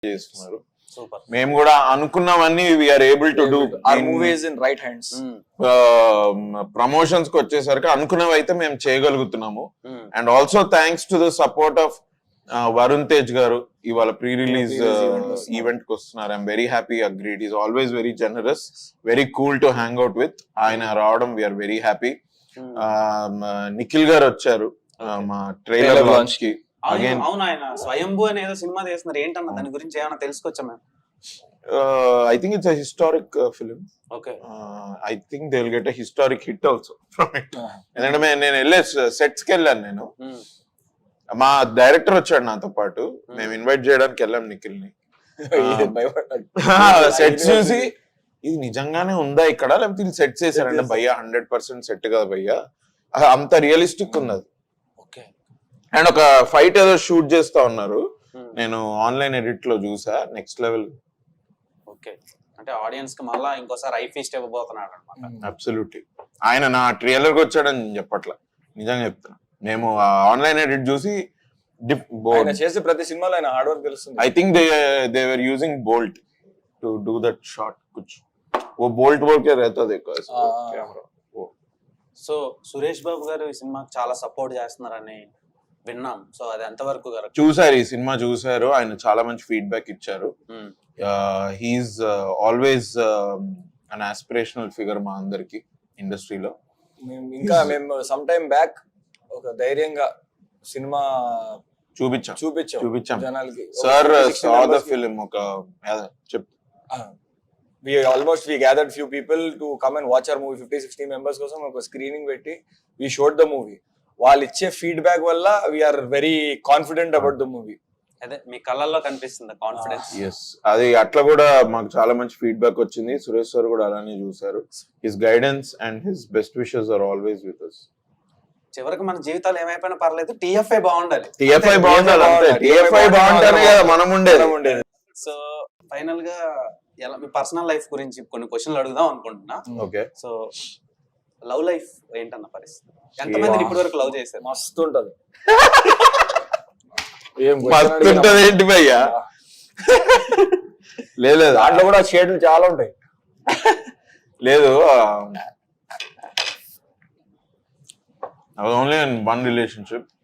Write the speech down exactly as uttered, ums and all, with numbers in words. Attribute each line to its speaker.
Speaker 1: చేస్తున్నారు. మేము కూడా అనుకున్నవన్నీ we are able to do
Speaker 2: movies in right hands.
Speaker 1: Promotions కి వచ్చేసరికి అనుకున్నవి అయితే మేము చేయగలుగుతున్నాము. And also thanks to the support of Varun Tej garu ఇవాళ ప్రీ రిలీజ్ ఈవెంట్ కి వస్తున్నారు. I'm very happy. Agreed. Is always very generous, very cool to hang out with. ఆయన రావడం వీఆర్ వెరీ హ్యాపీ. నిఖిల్ గారు వచ్చారు మా ట్రైలర్ లాంచ్ కి.
Speaker 3: అవును, ఆయన స్వయంభూ అనేదో సినిమా చేస్తున్నారు. ఏంటన్నా దాని గురించి ఏమైనా తెలుసుకోవచ్చా మేము?
Speaker 1: I think it's historic film.
Speaker 3: Okay,
Speaker 1: I think they will get a historic hit also from it. ఎందుకంటే నేను వెళ్ళే సెట్స్ కి వెళ్ళాను. నేను మా డైరెక్టర్ వచ్చాడు నాతో పాటు. మేము ఇన్వైట్ చేయడానికి వెళ్ళాం నిఖిల్ ని. సెట్స్ చూసి ఇది నిజంగానే ఉందా ఇక్కడ, లేకపోతే ఇది సెట్ చేశారంటే భయ్యా హండ్రెడ్ పర్సెంట్ సెట్ కదా భయ్యా, అంత రియలిస్టిక్ ఉన్నది. అండ్ ఒక ఫైట్ ఏదో షూట్ చేస్తా ఉన్నారు, నేను ఆన్లైన్ ఎడిట్ లో చూసా. Next level.
Speaker 3: ఓకే, అంటే ఆడియన్స్ కి మళ్ళా ఇంకోసారి ఐ ఫీస్ట్ ఇవ్వబోతున్నాడు అన్నమాట.
Speaker 1: అబ్సల్యూట్లీ. ఆయన నా ట్రైలర్ కి వచ్చాడని చెప్పట్లా, నిజంగా చెప్తున్నా. మేము ఆన్లైన్ ఎడిట్ చూసి
Speaker 2: చేసి ప్రతి సినిమాలో ఆయన హార్డ్ వర్క్ తెలుస్తుంది.
Speaker 1: I think they they were using bolt to do that shot. కుచ్ वो बोल्ट बोल के रहता देखो कैमरा.
Speaker 3: సో సురేష్ బాబు గారు ఈ సినిమాకి చాలా సపోర్ట్ చేస్తున్నారని విన్నాం. సో అది ఎంతవరకు కరెక్ట్?
Speaker 1: చూసారు, ఈ సినిమా చూసారు. ఆయన చాలా మంచి ఫీడ్బ్యాక్ ఇచ్చారు. He is always an aspirational figure మా అందరికి ఇండస్ట్రీలో.
Speaker 2: ఇంకా మేము సమ్ టైమ్ బ్యాక్ ఒక ధైర్యంగా సినిమా
Speaker 1: చూపించాం
Speaker 2: చూపించాం
Speaker 1: చూపించాం
Speaker 2: జనాలకి.
Speaker 1: సార్ సా ద ఫిల్మ్ ఒక చెప్
Speaker 2: we almost we gathered few people to come and watch our movie. fifty sixty members కోసం ఒక స్క్రీనింగ్ పెట్టి we showed the movie. వాళ్ళు ఇచ్చే ఫీడ్బ్యాక్ వల్ల we are very confident about the movie.
Speaker 3: అదే మీ కళ్ళల్లో కనిపిస్తుంది కాన్ఫిడెన్స్.
Speaker 1: yes, అది అట్లా కూడా మాకు చాలా మంచి ఫీడ్బ్యాక్ వచ్చింది. సురేష్ సార్ కూడా అలానే చూసారు. His guidance and his best wishes are always with us.
Speaker 3: చివరికి మన జీవితాలు ఏమైపోయినా పర్లేదు, టీఎఫ్ఐ బాగుండాలి.
Speaker 1: టీఎఫ్ఐ బాగుండాలి అంతే. టీఎఫ్ఐ బాగుంటేనే కదా మనం ఉండేది.
Speaker 3: సో ఫైనల్ గా ఎలా మీ పర్సనల్ లైఫ్ గురించి కొన్ని క్వశ్చన్లు అడుగుదాం అనుకుంటున్నా.
Speaker 1: ఓకే,
Speaker 3: సో లవ్ లైఫ్ ఏంటన్న పరిస్థితి? ఎంతమంది ఇప్పటి వరకు లవ్ చేశారు?
Speaker 2: మస్తు ఉంటది.
Speaker 1: మస్తు ఉంటది ఏంటి భయ్యా? లేదు,
Speaker 2: దాంట్లో కూడా షేడ్లు చాలా ఉంటాయి.
Speaker 1: లేదు, ఓన్లీ ఇన్ వన్ రిలేషన్షిప్.